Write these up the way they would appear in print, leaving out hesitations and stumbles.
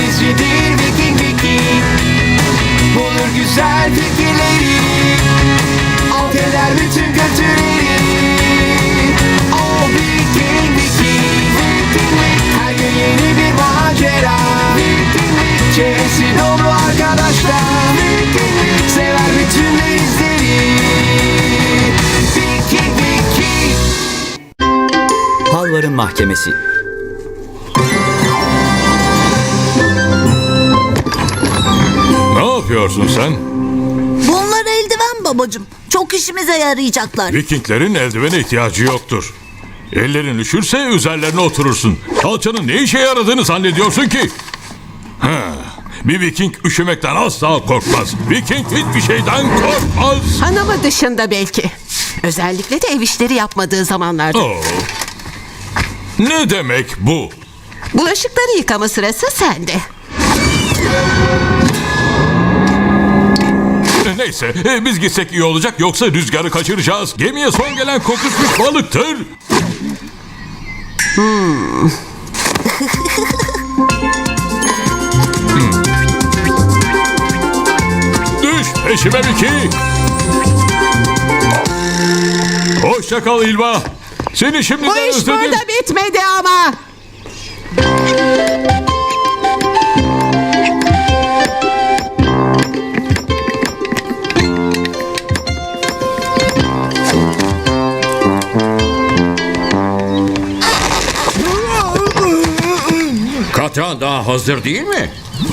denizcidir Viking Viking. Bulur güzel fikirleri, alt eder bütün kötüleri. O Viking Viking. Her gün yeni bir macera. Çevresi dolu arkadaşlar. Sever bütün denizleri. Viking Viking. Halvar'ın Mahkemesi. Ne yapıyorsun sen? Bunlar eldiven babacığım. Çok işimize yarayacaklar. Vikinglerin eldivene ihtiyacı yoktur. Ellerin üşürse üzerlerine oturursun. Kalçanın ne işe yaradığını zannediyorsun ki? Bir Viking üşümekten asla korkmaz. Viking hiçbir şeyden korkmaz. Hanımı dışında belki. Özellikle de ev işleri yapmadığı zamanlarda. Oo. Ne demek bu? Bulaşıkları yıkama sırası sende. Neyse biz gitsek iyi olacak, yoksa rüzgarı kaçıracağız. Gemiye son gelen kokuşmuş balıktır. Düş peşime Vicky. Hoşça kal İlva. Seni şimdiden Bu iş özledim. burada bitmedi ama. Katran daha hazır değil mi?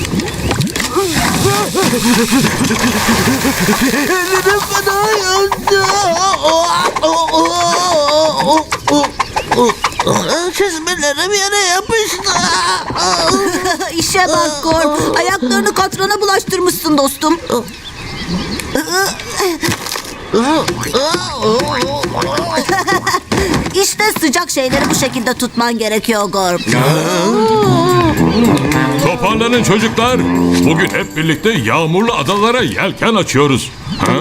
Çizmelerim yere yapıştı. İşe bak Gorm. Ayaklarını katrana bulaştırmışsın dostum. İşte sıcak şeyleri bu şekilde tutman gerekiyor Gorm. Toparlanın çocuklar. Bugün hep birlikte yağmurlu adalara yelken açıyoruz. Ha?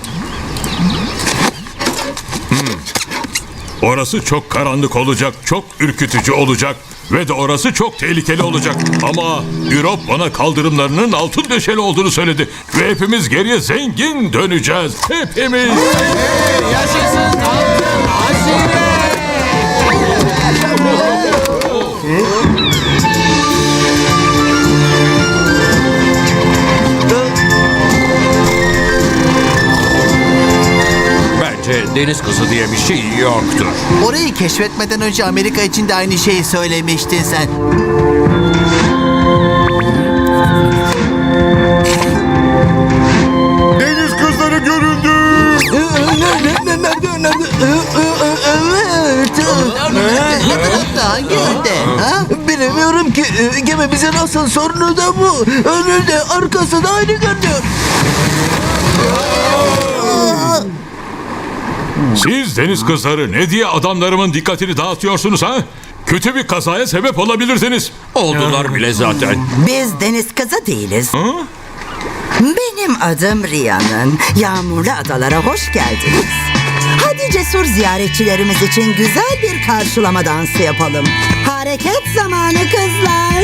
Orası çok karanlık olacak, çok ürkütücü olacak ve de orası çok tehlikeli olacak. Ama Europe bana kaldırımlarının altın döşeli olduğunu söyledi ve hepimiz geriye zengin döneceğiz. Hepimiz. Yaşasın altın hazine. Bence deniz kızı diye bir şey yoktur. Orayı keşfetmeden önce Amerika için de aynı şeyi söylemiştin sen. Deniz kızları görüldü. Evet. Hangi yönde? Ha? Bilemiyorum ki. Gemimizin asıl sorunu da bu. Önünde arkası da aynı görünüyor. Siz deniz kızları ne diye adamlarımın dikkatini dağıtıyorsunuz ha? Kötü bir kazaya sebep olabilirsiniz. Oldular bile zaten. Biz deniz kızı değiliz. Benim adım Rihanna'nın. Yağmurlu adalara hoş geldiniz. Hadi cesur ziyaretçilerimiz için güzel bir karşılama dansı yapalım. Hareket zamanı kızlar.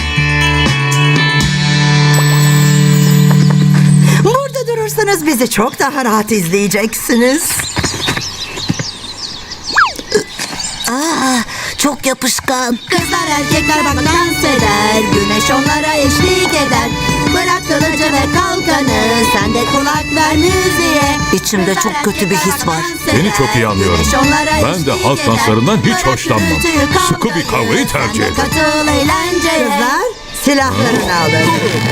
Burada durursanız bizi çok daha rahat izleyeceksiniz. Çok yapışkan. Kızlar erkekler bak dans eder. Güneş onlara eşlik eder. Bırak kılıcı ve kalkanı. Sen de kulak ver müziğe. İçimde çok kötü bir his var. Seni çok iyi anlıyorum. Ben de halk danslarından hiç hoşlanmam. Sıkı bir kavgayı tercih ederim. Katıl eğlenceye. Kızlar silahlarını alın.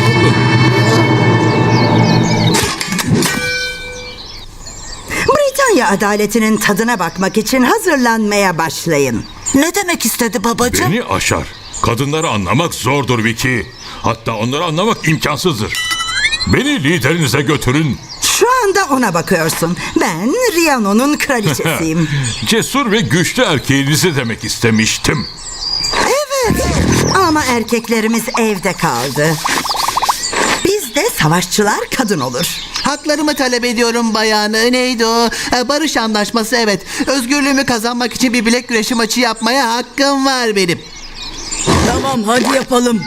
Britanya adaletinin tadına bakmak için hazırlanmaya başlayın. Ne demek istedi babacığım? Beni aşar. Kadınları anlamak zordur Vicky. Hatta onları anlamak imkansızdır. Beni liderinize götürün. Şu anda ona bakıyorsun. Ben Rihanna'nın kraliçesiyim. Cesur ve güçlü erkeğinizi demek istemiştim. Evet. Ama erkeklerimiz evde kaldı. Bizde savaşçılar kadın olur. Haklarımı talep ediyorum bayanı. Neydi o? Barış anlaşması, evet. Özgürlüğümü kazanmak için bir bilek güreşi maçı yapmaya hakkım var benim. Tamam hadi yapalım.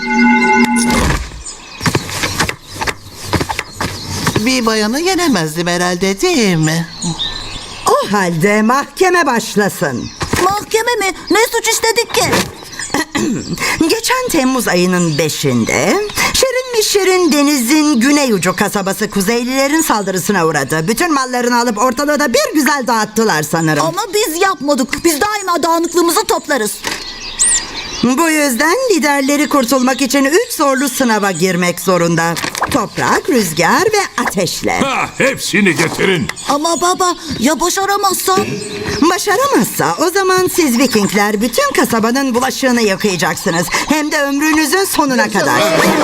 Bir bayanı yenemezdim herhalde değil mi? O halde mahkeme başlasın. Mahkeme mi? Ne suç işledik ki? Geçen Temmuz ayının 5'inde Şirin mi Şirin denizin güney ucu kasabası Kuzeylilerin saldırısına uğradı. Bütün mallarını alıp ortalığı da bir güzel dağıttılar sanırım. Ama biz yapmadık. Biz daima dağınıklığımızı toplarız. Bu yüzden liderleri kurtulmak için 3 zorlu sınava girmek zorunda. Toprak, rüzgar ve ateşle. Ha, hepsini getirin. Ama baba ya başaramazsam? Başaramazsa o zaman siz Vikingler bütün kasabanın bulaşığını yıkayacaksınız. Hem de ömrünüzün sonuna kadar.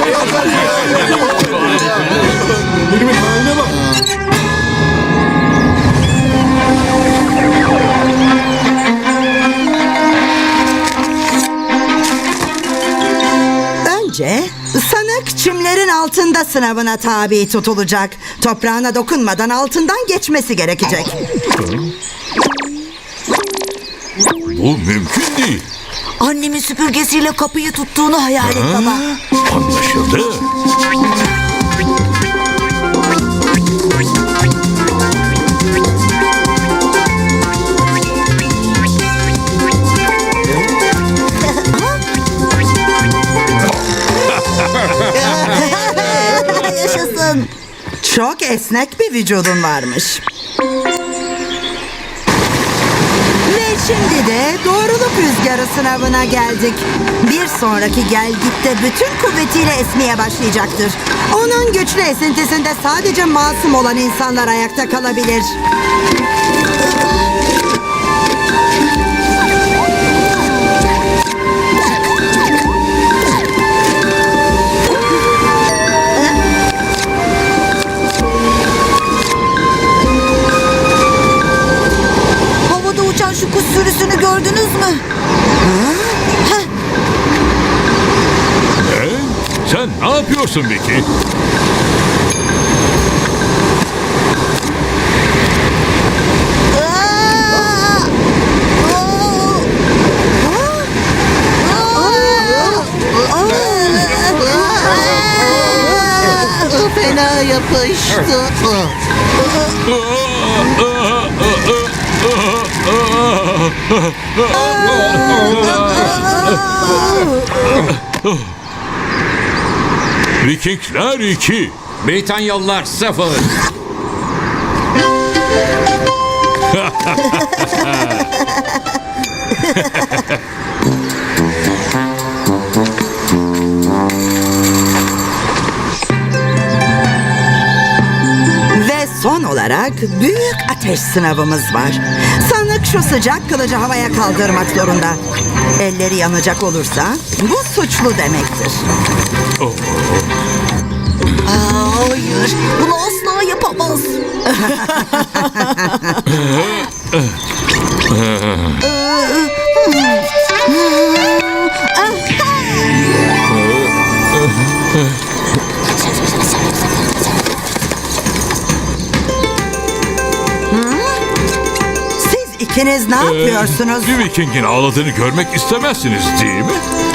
Önce sanık çimlerin altında sınavına tabi tutulacak. Toprağına dokunmadan altından geçmesi gerekecek. Bu mümkün değil. Annemin süpürgesiyle kapıyı tuttuğunu hayal et baba. Anlaşıldı. Yaşasın. Çok esnek bir vücudun varmış. Ve şimdi de doğruluk rüzgarı sınavına geldik. Bir sonraki gelgitte bütün kuvvetiyle esmeye başlayacaktır. Onun güçlü esintisinde sadece masum olan insanlar ayakta kalabilir. Havada uçan şu kuş sürüsünü gördünüz mü? Sen ne yapıyorsun Vicky? Fena yapıştı. Vikingler 2. Britanyalılar 0. Ve son olarak büyük ateş sınavımız var. Sanık şu sıcak kılıcı havaya kaldırmak zorunda. Elleri yanacak olursa bu suçlu demektir. Hayır, bunu asla yapamaz. Siz ikiniz ne yapıyorsunuz? Bir Viking'in ağladığını görmek istemezsiniz değil mi?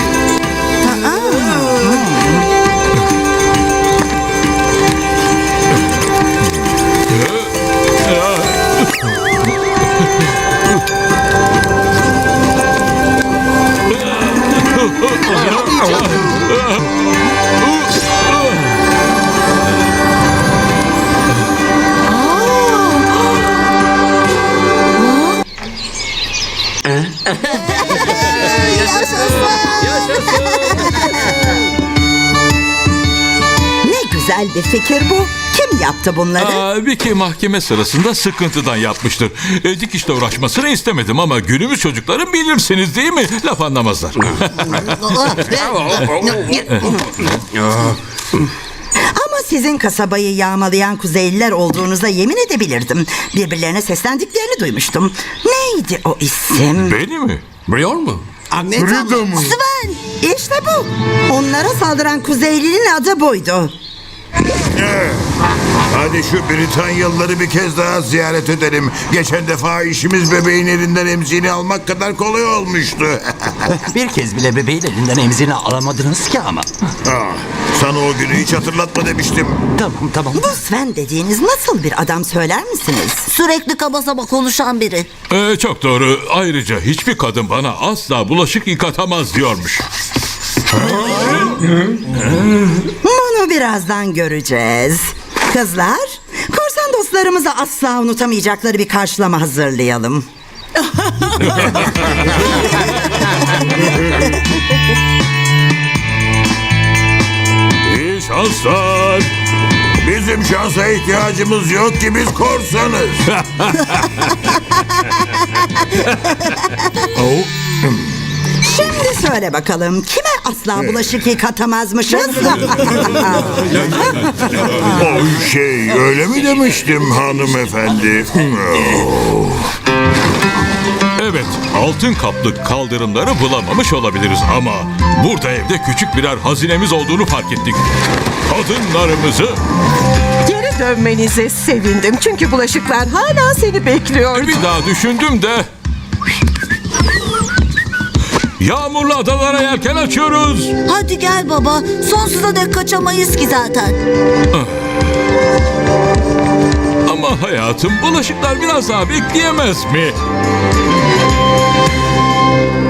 Ne güzel bir fikir bu. Kim yaptı bunları? Vicky mahkeme sırasında sıkıntıdan yapmıştır. Dikişle uğraşmasını istemedim ama günümüz çocukları bilirsiniz değil mi? Laf anlamazlar. Ama sizin kasabayı yağmalayan Kuzeyliler olduğunuza yemin edebilirdim. Birbirlerine seslendiklerini duymuştum. Neydi o isim? Beni mi? Biliyor mu? İşte bu. Onlara saldıran Kuzeylinin adı buydu. Hadi şu Britanyalıları bir kez daha ziyaret edelim. Geçen defa işimiz bebeğin elinden emziğini almak kadar kolay olmuştu. Bir kez bile bebeğin elinden emzini alamadınız ki ama. Sana o günü hiç hatırlatma demiştim. Tamam. Bu Sven dediğiniz nasıl bir adam söyler misiniz? Sürekli kaba saba konuşan biri. Çok doğru. Ayrıca hiçbir kadın bana asla bulaşık yıkatamaz diyormuş. Bunu birazdan göreceğiz. Kızlar, korsan dostlarımıza asla unutamayacakları bir karşılama hazırlayalım. İyi şanslar. Bizim şansa ihtiyacımız yok ki biz korsanız. Şimdi söyle bakalım, kime asla bulaşık yıkatamazmışız? Öyle mi demiştim hanımefendi? Evet, altın kaplı kaldırımları bulamamış olabiliriz ama burada evde küçük birer hazinemiz olduğunu fark ettik. Kadınlarımızı Geri dönmenize sevindim. Çünkü bulaşıklar hala seni bekliyor. bir daha düşündüm de... Yağmurlu adalara yelken açıyoruz. Hadi gel baba. Sonsuza dek kaçamayız ki zaten. Ama hayatım, bulaşıklar biraz daha bekleyemez mi?